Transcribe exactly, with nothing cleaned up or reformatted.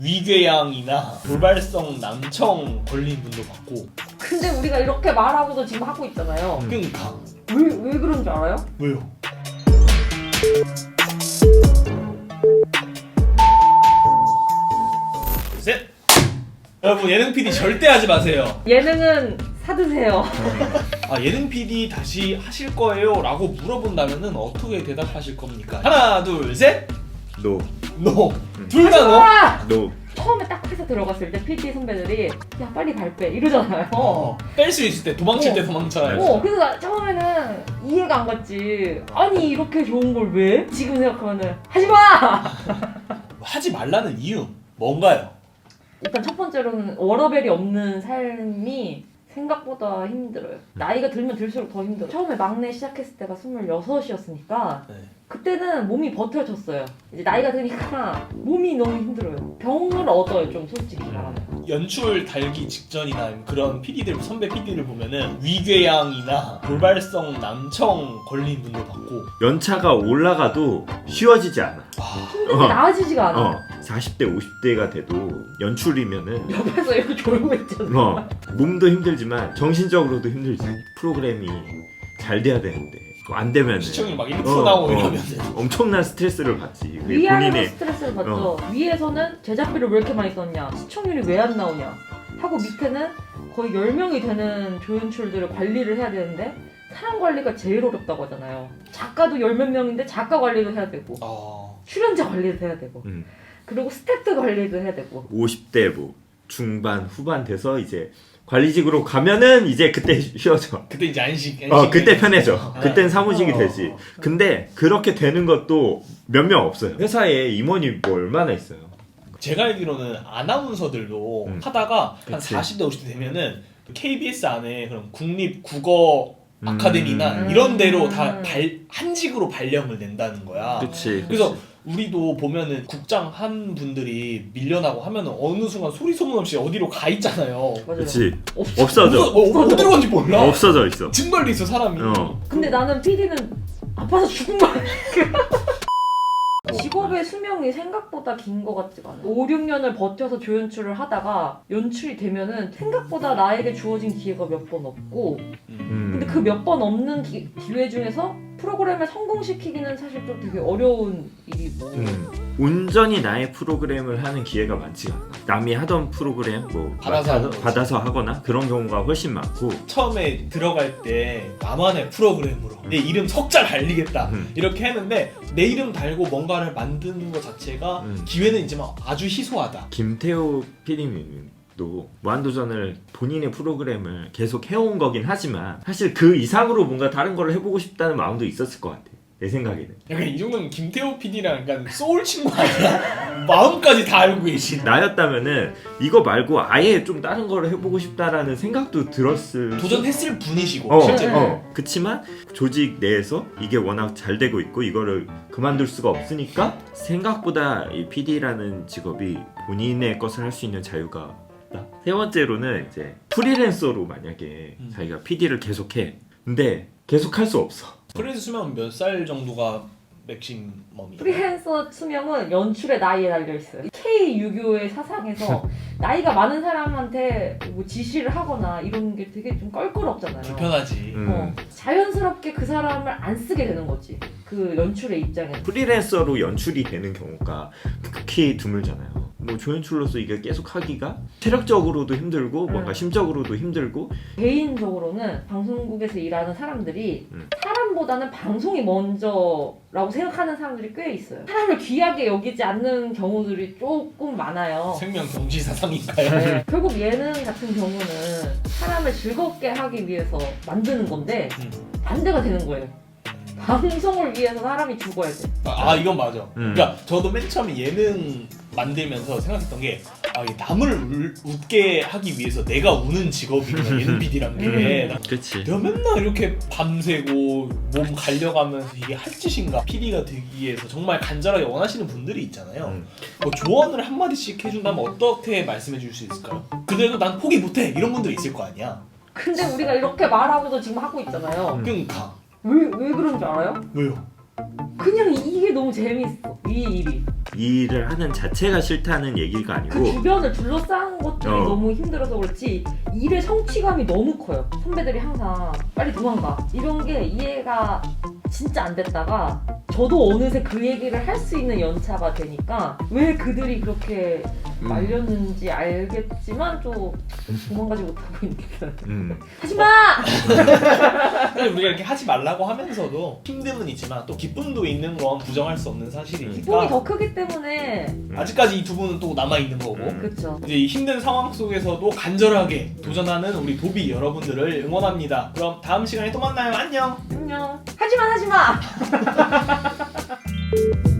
위궤양이나 돌발성 난청 걸린 분도 봤고. 근데 우리가 이렇게 말하고도 지금 하고 있잖아요. 음. 그러니까 왜, 왜 그런 줄 알아요? 왜요? 둘, 셋. 여러분 예능 피디 절대 하지 마세요. 예능은 사드세요. 아 예능 피디 다시 하실 거예요? 라고 물어본다면은 어떻게 대답하실 겁니까? 하나 둘 셋. 노. 노. 둘 다 노. 아! 노. 처음에 딱 회사 들어갔을 때 피디 선배들이 야 빨리 발 빼 이러잖아요. 어. 뺄 수 있을 때 도망칠 어. 때 도망쳐요. 어, 그래서 나 처음에는 이해가 안 갔지. 아니 이렇게 좋은 걸 왜? 지금 생각하면은 하지 마. 하지 말라는 이유 뭔가요? 일단 첫 번째로는 워러벨이 없는 삶이 생각보다 힘들어요. 나이가 들면 들수록 더 힘들어요. 처음에 막내 시작했을 때가 스물여섯이었으니까 네. 그때는 몸이 버텨졌어요. 이제 나이가 드니까 몸이 너무 힘들어요. 병을 얻어요, 좀 솔직히 말하면. 연출 달기 직전이나 그런 피디들 선배 피디를 보면은 위궤양이나 돌발성 난청 걸린 분도 봤고. 연차가 올라가도 쉬워지지 않아. 힘든 게 어. 나아지지가 않아. 어. 사십 대, 오십 대가 돼도 연출이면은 옆에서 이렇게 졸고 있잖아. 어, 몸도 힘들지만 정신적으로도 힘들지. 프로그램이 잘 돼야 되는데 안 되면 시청률 막 일 퍼센트 어, 나오고 어. 이러면 엄청난 스트레스를 받지. 그게 위아래로 본인의 스트레스를 받죠. 위에서는 제작비를 왜 이렇게 많이 썼냐, 시청률이 왜 안 나오냐 하고 밑에는 거의 열 명이 되는 조연출들을 관리를 해야 되는데 사람 관리가 제일 어렵다고 하잖아요. 작가도 열 몇 명인데 작가 관리도 해야 되고 어... 출연자 관리도 해야 되고 음. 그리고 스태프 관리도 해야 되고. 오십 대 뭐 중반 후반 돼서 이제 관리직으로 가면은 이제 그때 쉬어져. 그때 이제 안식, 안식 어 그때 편해져. 아. 그땐 사무직이 어. 되지. 근데 그렇게 되는 것도 몇 명 없어요. 회사에 임원이 뭐 얼마나 있어요. 제가 알기로는 아나운서들도 음. 하다가 한 그치. 사십 대 오십 대 되면은 케이비에스 안에 그런 국립 국어 음. 아카데미나 음. 이런 데로 다 발, 한직으로 발령을 낸다는 거야. 그치. 그래서 우리도 보면은 국장 한 분들이 밀려나고 하면은 어느 순간 소리 소문 없이 어디로 가 있잖아요. 맞아요. 그치. 없어. 없어져. 어, 어, 어디로 간지 몰라. 없어져 있어. 증발돼 있어 사람이. 어. 근데 나는 피디는 아파서 죽은 거야. 직업의 수명이 생각보다 긴 것 같지가 않아. 오, 육 년을 버텨서 조연출을 하다가 연출이 되면은 생각보다 나에게 주어진 기회가 몇 번 없고, 음. 근데 그 몇 번 없는 기, 기회 중에서 프로그램을 성공시키기는 사실 좀 되게 어려운 일이고. 음. 온전히 나의 프로그램을 하는 기회가 많지가 않아. 남이 하던 프로그램 뭐 받아서 하는 거지. 받아서 하거나 그런 경우가 훨씬 많고. 처음에 들어갈 때 나만의 프로그램으로 내 이름 석자 달리겠다 음. 이렇게 했는데 내 이름 달고 뭔가를 만드는 것 자체가 음. 기회는 있지만 아주 희소하다. 김태호 피디님도 무한도전을 본인의 프로그램을 계속 해온 거긴 하지만 사실 그 이상으로 뭔가 다른 걸 해보고 싶다는 마음도 있었을 것 같아. 내 생각에는. 약간 이 정도면 김태호 피디랑 약간 소울 친구 아니야? 마음까지 다 알고 계신. 나였다면은 이거 말고 아예 좀 다른 걸 해보고 싶다라는 생각도 들었을. 도전했을 분이시고 어, 실제로. 어. 그치만 조직 내에서 이게 워낙 잘 되고 있고 이거를 그만둘 수가 없으니까 생각보다 이 피디라는 직업이 본인의 것을 할 수 있는 자유가 없다. 세 번째로는 이제 프리랜서로 만약에 음. 자기가 피디를 계속해. 근데 계속 할 수 없어. 프리랜서 수명 몇 살 정도가 맥시멈이에요? 프리랜서 수명은 연출의 나이에 달려 있어요. K 유교의 사상에서 나이가 많은 사람한테 뭐 지시를 하거나 이런 게 되게 좀 껄끄럽잖아요. 불편하지. 음. 어, 자연스럽게 그 사람을 안 쓰게 되는 거지. 그 연출의 입장에서. 프리랜서로 연출이 되는 경우가 극히 드물잖아요. 뭐 조연출로서 이게 계속 하기가 체력적으로도 힘들고 뭔가 음. 심적으로도 힘들고. 개인적으로는 방송국에서 일하는 사람들이 음. 사람보다는 방송이 먼저라고 생각하는 사람들이 꽤 있어요. 사람을 귀하게 여기지 않는 경우들이 조금 많아요. 생명 경지 사상인가요? 네, 결국 예능 같은 경우는 사람을 즐겁게 하기 위해서 만드는 건데 음. 반대가 되는 거예요. 방송을 위해서 사람이 죽어야 돼. 아, 아 이건 맞아. 음. 그러니까 저도 맨 처음에 예능 만들면서 생각했던 게 아, 이 남을 울, 웃게 하기 위해서 내가 우는 직업이구나 예능 피디란 게. 음. 그치. 내가 맨날 이렇게 밤새고 몸 갈려가면서 이게 할 짓인가 피디가 되기 위해서 정말 간절하게 원하시는 분들이 있잖아요. 음. 뭐 조언을 한마디씩 해준다면 어떻게 말씀해 줄 수 있을까요? 그래도 난 포기 못해 이런 분들이 있을 거 아니야. 근데 우리가 이렇게 말하고도 지금 하고 있잖아요. 음. 그러니까 왜, 왜 그런 줄 알아요? 왜요? 그냥 이게 너무 재밌어. 이 일이. 이 일을 하는 자체가 싫다는 얘기가 그 아니고 주변을 둘러싼 것들이 어. 너무 힘들어서 그렇지 일의 성취감이 너무 커요. 선배들이 항상 빨리 도망가 이런 게 이해가 진짜 안 됐다가 저도 어느새 그 얘기를 할 수 있는 연차가 되니까 왜 그들이 그렇게 음. 말렸는지 알겠지만 또 도망가지 못하고 있는 음. 하지마! 사실 우리가 이렇게 하지 말라고 하면서도 힘듦은 있지만 또 기쁨도 있는 건 부정할 수 없는 기쁨이 사실이니까 더 크기 때문에 아직까지 이 두 분은 또 남아 있는 거고 음. 그쵸. 이제 이 힘든 상황 속에서도 간절하게 도전하는 우리 도비 여러분들을 응원합니다. 그럼 다음 시간에 또 만나요. 안녕. 안녕. 하지마 하지마!